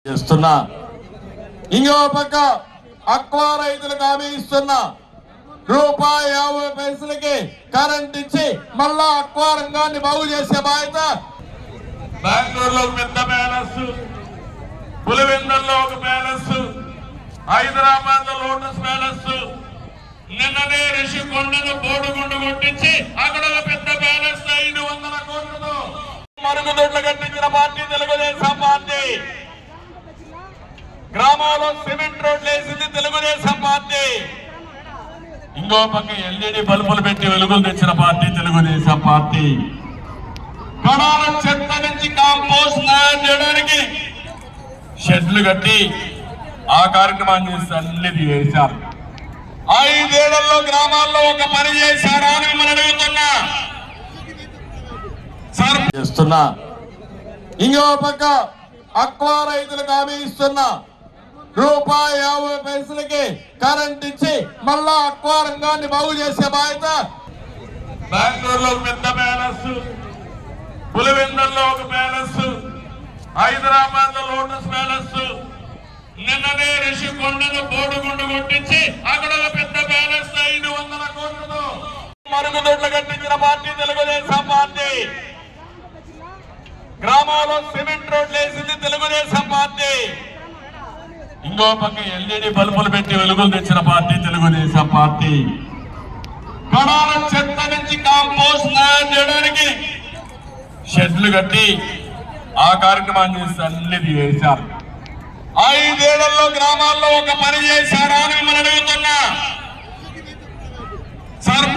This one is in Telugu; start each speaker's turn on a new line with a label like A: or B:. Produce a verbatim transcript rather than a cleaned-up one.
A: చేస్తున్నా ఇంకో పక్క అక్వా రైతులకు హామీ ఇస్తున్నా రూపాయి యాభై పైసలకి కరెంట్ ఇచ్చి మళ్ళా అక్వా రంగాన్ని బాగు చేసే బాధ్యత. బెంగళూరులో పెద్ద ప్యాలెస్, పులివెందుల్లో ఒక ప్యాలెస్, హైదరాబాద్ లో లోటస్ ప్యాలెస్, నిన్ననే రిషికొండను బోడుగుండు కొట్టించి అక్కడ ఒక పెద్ద ప్యాలెస్ ఐదు వందల కోట్లతో మరుగుదొడ్లు కట్టించిన పార్టీ తెలుగుదేశం పార్టీ. గ్రామాల్లో సిమెంట్ రోడ్లు వేసింది తెలుగుదేశం పార్టీ. ఇంకో పక్క ఎల్ఈడి బల్బులు పెట్టి వెలుగులు తెచ్చిన పార్టీ తెలుగుదేశం పార్టీ. కడాల చెత్త నుంచి కాంపోస్ట్ తయారు చేయడానికి షెడ్లు కట్టి ఆ కార్యక్రమాన్ని చేసి అన్నిది చేశారు. ఐదేళ్లలో గ్రామాల్లో ఒక పని చేశారా అని మనం అడుగుతున్నా చేస్తున్నా. ఇంకో పక్క అక్వా రైతులకు హామీ ఇస్తున్నా రూపాయి యాభై పైసలకి కరెంట్ ఇచ్చి మళ్ళా అక్వా రంగాన్ని బాగు చేసే బాధ్యత. బెంగళూరులో పెద్ద ప్యాలెస్, పులివెందుల్లో ఒక ప్యాలెస్, హైదరాబాద్ లో లోటస్ ప్యాలెస్, నిన్ననే రిషికొండను బోడుగుండు కొట్టించి అక్కడ ఒక పెద్ద ప్యాలెస్ ఐదు వందల కోట్లతో మరుగుదొడ్లు కట్టించిన పార్టీ తెలుగుదేశం పార్టీ. గ్రామాల్లో సిమెంట్ రోడ్లు వేసింది తెలుగుదేశం పార్టీ. ఇంకో పక్క ఎల్ఈడి బల్బులు పెట్టి వెలుగులు తెచ్చిన పార్టీ తెలుగుదేశం పార్టీ. కడాల చెత్త నుంచి కాంపోస్ట్ తయారు చేయడానికి షెడ్లు కట్టి ఆ కార్యక్రమాన్ని చేసి అన్నిది చేశారు. ఐదేళ్లలో గ్రామాల్లో ఒక పని చేశారా అని మనం అడుగుతున్నా.